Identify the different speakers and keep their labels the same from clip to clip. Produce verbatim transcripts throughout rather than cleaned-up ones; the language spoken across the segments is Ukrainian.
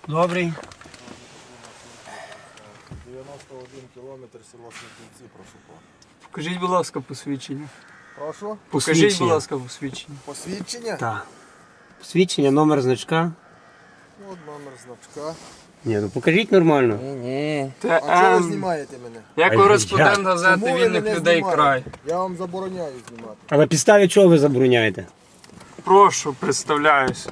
Speaker 1: Добрий.
Speaker 2: дев'яносто один кілометр, село Смітниці, прошу пана.
Speaker 3: Покажіть, будь ласка, посвідчення.
Speaker 2: Прошу?
Speaker 3: Покажіть, будь ласка, посвідчення.
Speaker 2: Посвідчення?
Speaker 1: Так. Посвідчення, номер значка.
Speaker 2: От номер значка.
Speaker 1: Ні, ну покажіть нормально.
Speaker 2: Ні, ні.
Speaker 3: Та,
Speaker 2: А чого ви
Speaker 3: ем,
Speaker 2: знімаєте мене?
Speaker 3: Я
Speaker 1: А
Speaker 3: кореспондент
Speaker 1: як?
Speaker 3: газети
Speaker 2: Чому ви
Speaker 3: «Вільних
Speaker 2: мене
Speaker 3: людей
Speaker 2: знімаєте?
Speaker 3: край».
Speaker 2: Я вам забороняю знімати.
Speaker 1: А на підставі чого ви забороняєте?
Speaker 3: Прошу, представляюсь.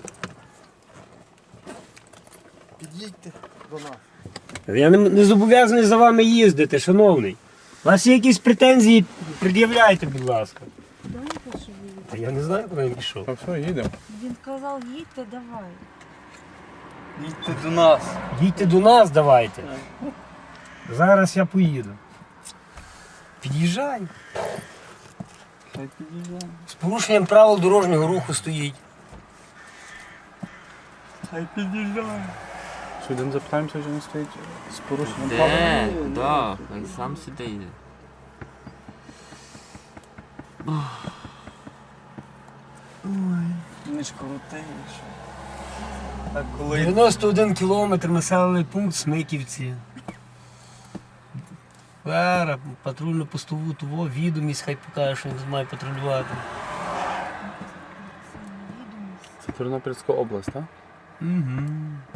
Speaker 2: Під'їдьте до нас.
Speaker 1: Я не, не зобов'язаний за вами їздити, шановний. У вас є якісь претензії, пред'являйте, будь ласка.
Speaker 4: Куди він пішов? їде?
Speaker 1: Та я не знаю, куди він пішов.
Speaker 5: Та все, їдемо.
Speaker 4: Він казав, їдьте, давай.
Speaker 3: Їдьте до нас.
Speaker 1: Їдьте до нас, давайте. Зараз я поїду. Під'їжджай.
Speaker 3: Хай під'їжджає.
Speaker 1: З порушенням правил дорожнього руху стоїть.
Speaker 3: Хай під'їжджає.
Speaker 5: Що, йдемо запитаємося, чи не стоїть з порушенням правил?
Speaker 6: Де? Да, він сам сюди йде.
Speaker 3: Не ж коротеньше. Так коли
Speaker 1: дев'яносто один кілометр, населений пункт Смиківці. Вера, патрульно-постову того, відомість, хай покаже, що він тут має патрулювати.
Speaker 5: Це Тернопільська область, так?
Speaker 1: Угу.